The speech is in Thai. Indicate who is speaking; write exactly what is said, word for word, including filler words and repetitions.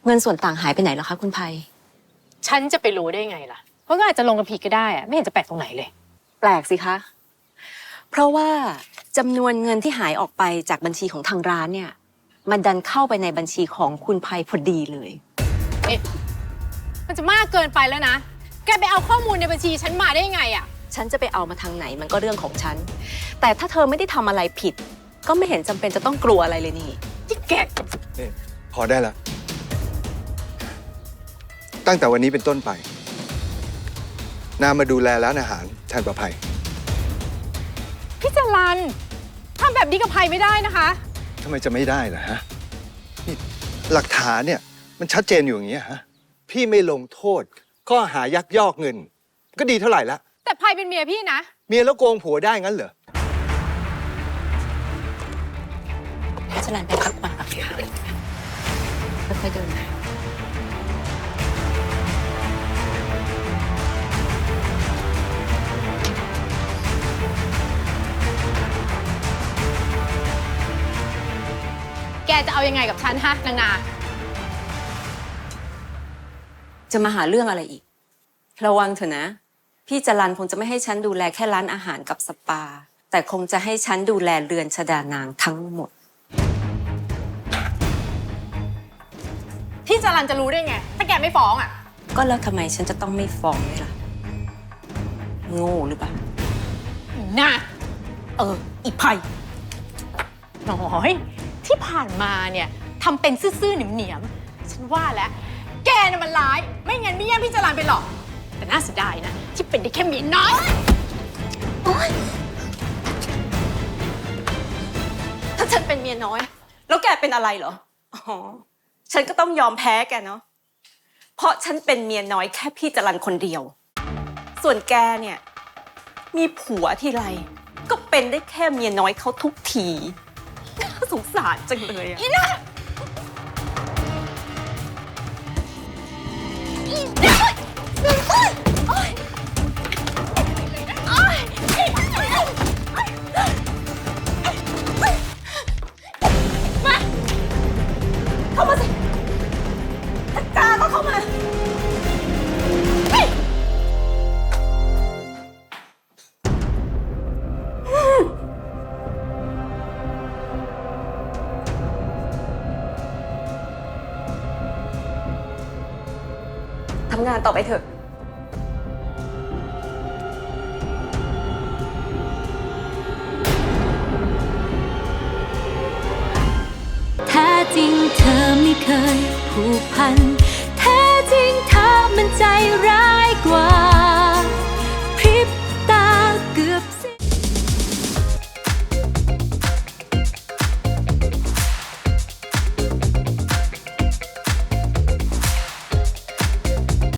Speaker 1: เงินส่วนต่างหายไปไหนแล้วคะคุณภัย
Speaker 2: ฉันจะไปรู้ได้ไงล่ะเพราะก็อาจจะลงกันผิดก็ได้อะไม่เห็นจะแปลกตรงไหนเลย
Speaker 1: แปลกสิคะเพราะว่าจำนวนเงินที่หายออกไปจากบัญชีของทางร้านเนี่ยมันดันเข้าไปในบัญชีของคุณภัยพอดีเลย
Speaker 2: เอ๊ะมันจะมากเกินไปแล้วนะแกไปเอาข้อมูลในบัญชีฉันมาได้ยังไงอะ
Speaker 1: ฉันจะไปเอามาทางไหนมันก็เรื่องของฉันแต่ถ้าเธอไม่ได้ทำอะไรผิดก็ไม่เห็นจำเป็นจะต้องกลัวอะไรเลยนี่
Speaker 2: ที่แก
Speaker 3: นี่พอได้ละตั้งแต่วันนี้เป็นต้นไปนามาดูแลร้านอาหารแทนประภัย
Speaker 2: พี่จรัญทำแบบนี้กับภัยไม่ได้นะคะ
Speaker 3: ทำไมจะไม่ได้ล่ะฮะนี่หลักฐานเนี่ยมันชัดเจนอยู่อย่างนี้ฮะพี่ไม่ลงโทษข้อหายักยอกเงินก็ดีเท่าไหร่ละ
Speaker 2: แต่ภัยเป็นเมียพี่นะ
Speaker 3: เมียแล้วโกงผัวได้งั้นเหรอ
Speaker 1: พี่จรัญไปพักผ่อนก่อนค่ะค่อยๆเดิน
Speaker 2: แกจะเอายังไงกับฉันฮะนางนา
Speaker 1: จะมาหาเรื่องอะไรอีกระวังเถอะนะพี่จรัญคงจะไม่ให้ฉันดูแลแค่ร้านอาหารกับสปาแต่คงจะให้ฉันดูแลเรือนชฎานางทั้งหมด
Speaker 2: พี่จรัญจะรู้ได้ไงถ้าแกไม่ฟ้องอ่ะ
Speaker 1: ก็แล้วทำไมฉันจะต้องไม่ฟ้องด้วยล่ะโง่หรือเปล่า
Speaker 2: น่าเอออีภัยน้อยที่ผ่านมาเนี่ยทำเป็นซื่อๆเหนียมๆฉันว่าแล้วแกน่ะมันร้ายไม่งั้นไม่แย่งพี่จรัญไปหรอกแต่น่าเสียดายนะที่เป็นได้แค่เมียน้อย
Speaker 1: ถ้าฉันเป็นเมียน้อยแล้วแกเป็นอะไรเหรออ๋อฉันก็ต้องยอมแพ้แกเนาะเพราะฉันเป็นเมียน้อยแค่พี่จรัญคนเดียวส่วนแกเนี่ยมีผัวทีไรก็เป็นได้แค่เมียน้อยเขาทุกทีน่าสงสารจังเลยอะ
Speaker 2: อีน่า
Speaker 1: เข้ามาสิถ้ากล้าก็เข้ามาทำงานต่อไปเถอะ
Speaker 4: แท้จริงเธอไม่เคยผูกพัน